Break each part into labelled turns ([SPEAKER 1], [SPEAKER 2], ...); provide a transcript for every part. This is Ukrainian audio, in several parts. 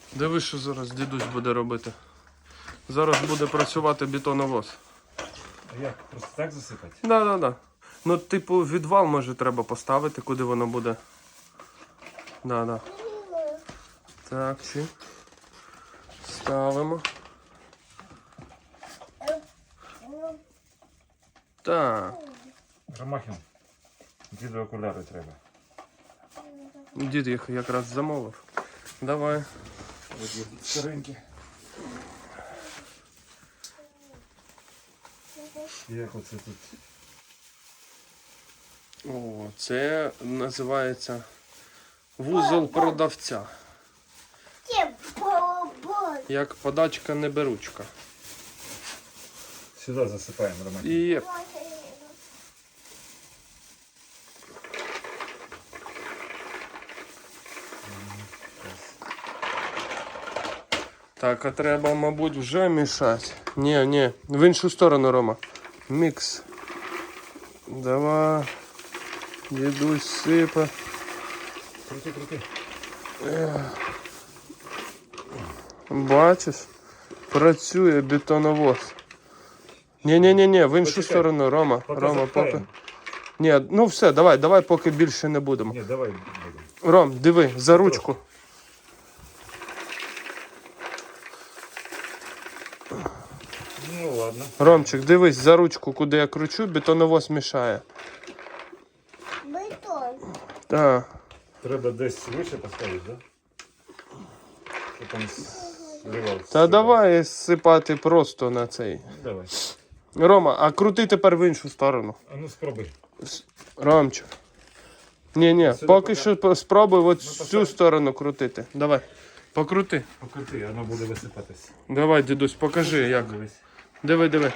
[SPEAKER 1] Диви, що зараз дідусь буде робити. Зараз буде працювати бетоновоз.
[SPEAKER 2] А як? Просто так засипати?
[SPEAKER 1] Да. Ну, типу, відвал, може, треба поставити, куди воно буде. Да. Так, чи. Ставимо. Так.
[SPEAKER 2] Ромахін, діду окуляри треба.
[SPEAKER 1] Дід їх якраз замовив. Давай.
[SPEAKER 2] Старенькі. Як оце тут?
[SPEAKER 1] О, це називається вузол продавця. Як подачка неберучка.
[SPEAKER 2] Сюди засипаємо, Ромахін.
[SPEAKER 1] І так, а треба, мабуть, вже мішати. Ні, в іншу сторону, Рома. Мікс. Давай. Дідусь сипе.
[SPEAKER 2] Крути.
[SPEAKER 1] Бачиш? Працює бетоновоз. Ні, в іншу сторону, Рома.
[SPEAKER 2] Поки
[SPEAKER 1] Рома,
[SPEAKER 2] запхаємо.
[SPEAKER 1] поки. Ні, ну все, давай, поки більше не будемо.
[SPEAKER 2] Ні, давай будемо.
[SPEAKER 1] Ром, диви, за ручку.
[SPEAKER 2] Ну ладно.
[SPEAKER 1] Ромчик, дивись, за ручку, куди я кручу, бетоновоз мішає.
[SPEAKER 3] Бетон.
[SPEAKER 1] Так.
[SPEAKER 2] Треба десь вище поставити, так? Да? Щоб там зливався.
[SPEAKER 1] Та давай сипати просто на цей.
[SPEAKER 2] Давай.
[SPEAKER 1] Рома, а крути тепер в іншу сторону.
[SPEAKER 2] А ну спробуй.
[SPEAKER 1] Ромчик. Ні,
[SPEAKER 2] Сюди
[SPEAKER 1] поки
[SPEAKER 2] пока.
[SPEAKER 1] що спробуй от
[SPEAKER 2] Ну,
[SPEAKER 1] цю сторону крутити. Давай. Покрути.
[SPEAKER 2] Покрути, воно буде висипатись.
[SPEAKER 1] Давай, дідусь, покажи як.
[SPEAKER 2] Дивись.
[SPEAKER 1] Диви.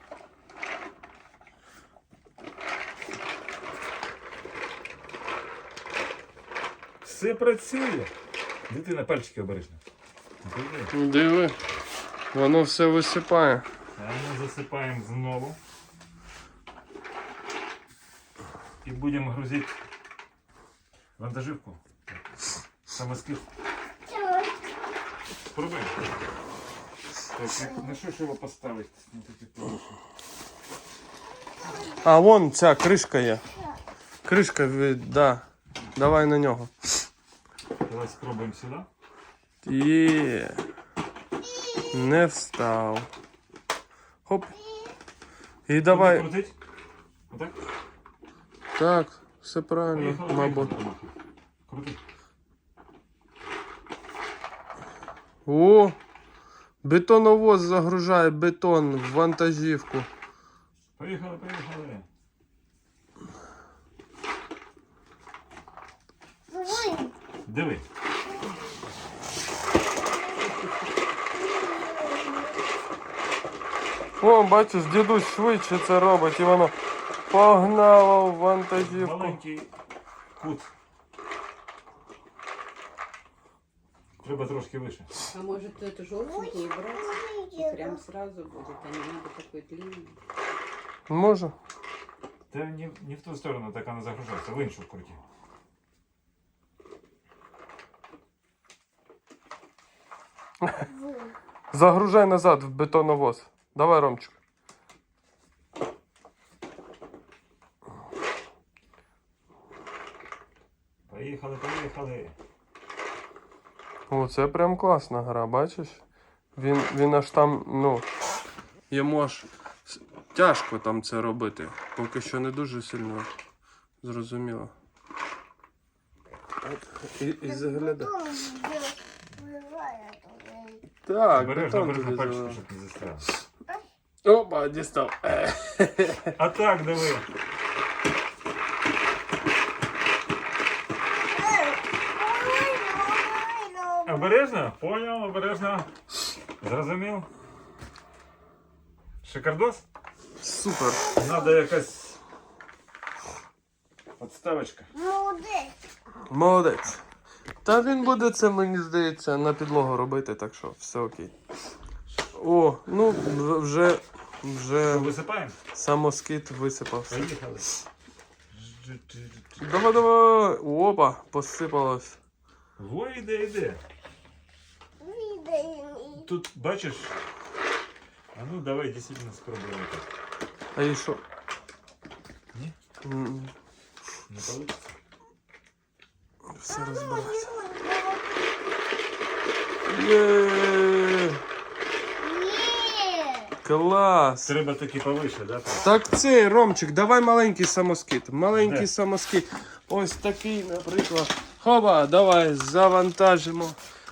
[SPEAKER 2] Все працює. Дитина, пальчики обережно. Диви.
[SPEAKER 1] Диви. Воно все висипає.
[SPEAKER 2] А ми засипаємо знову. І будемо грузити вантажівку. Самоскид. Спробуємо. Так, на що ж його поставити? Ну, таке порушення.
[SPEAKER 1] А вон ця кришка є. Кришка, да. Давай на нього.
[SPEAKER 2] Давай спробуємо сюди.
[SPEAKER 1] Є. Не встав. Хоп. І давай.
[SPEAKER 2] Крутить? Отак?
[SPEAKER 1] Так, все правильно,
[SPEAKER 2] Поїхали,
[SPEAKER 1] мабуть.
[SPEAKER 2] поїхали. Крути.
[SPEAKER 1] О! Бетоновоз загружає бетон в вантажівку.
[SPEAKER 2] Поїхали. Диви.
[SPEAKER 1] О, бачиш, дідусь швидше це робить і воно погнало в вантажівку.
[SPEAKER 2] Маленький кут. Треба трошки вище.
[SPEAKER 4] А может эту желтенькую убрать? И прям сразу будет, а не надо такой длинный.
[SPEAKER 1] Може?
[SPEAKER 2] Та не в ту сторону, так вона загружається, в іншу круті.
[SPEAKER 1] Загружай назад в бетоновоз. Давай, Ромчик.
[SPEAKER 2] Поїхали.
[SPEAKER 1] О, це прям класна гра, бачиш? Він аж там, ну, йому аж тяжко там це робити. Поки що не дуже сильно зрозуміло. І заглядай. Так,
[SPEAKER 2] Обережно
[SPEAKER 1] бетон тобі
[SPEAKER 2] пальчики,
[SPEAKER 1] заливає.
[SPEAKER 2] щоб не застряли.
[SPEAKER 1] Опа, дістав.
[SPEAKER 2] А так, диви. Обережно? Понял, обережно. Зрозумів? Шикардос?
[SPEAKER 1] Супер.
[SPEAKER 2] Надо якась подставочка.
[SPEAKER 1] Молодець. Та він буде це, мені здається, на підлогу робити, так що все окей. О, ну вже
[SPEAKER 2] Висипаємо?
[SPEAKER 1] самоскид висипався.
[SPEAKER 2] Поїхали.
[SPEAKER 1] Давай. Опа, посипалось.
[SPEAKER 2] Во, іде. тут бачиш. А ну давай дійсно спробуємо так.
[SPEAKER 1] А і що?
[SPEAKER 2] Ні?
[SPEAKER 1] М,
[SPEAKER 2] Не вийде?
[SPEAKER 1] Все розбилося. Є! Клас!
[SPEAKER 2] Треба таки повише, да?
[SPEAKER 1] Так цей, Ромчик, давай маленький самоскид. Маленький
[SPEAKER 2] Де?
[SPEAKER 1] самоскид. Ось такий, наприклад. Хоба, давай завантажимо.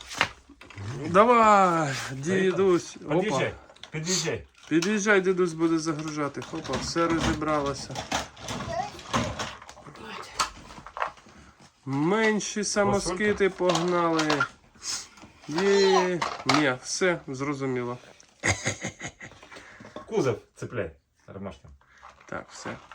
[SPEAKER 1] Давай, дідусь. Опа.
[SPEAKER 2] Під'їжджай, під'їжджай.
[SPEAKER 1] Під'їжджай, дідусь буде загружати. Хопа, все розібралося. Менші самоскити погнали. Є. Ні, все, зрозуміло.
[SPEAKER 2] Кузов цепляй. Ромашка.
[SPEAKER 1] Так, все.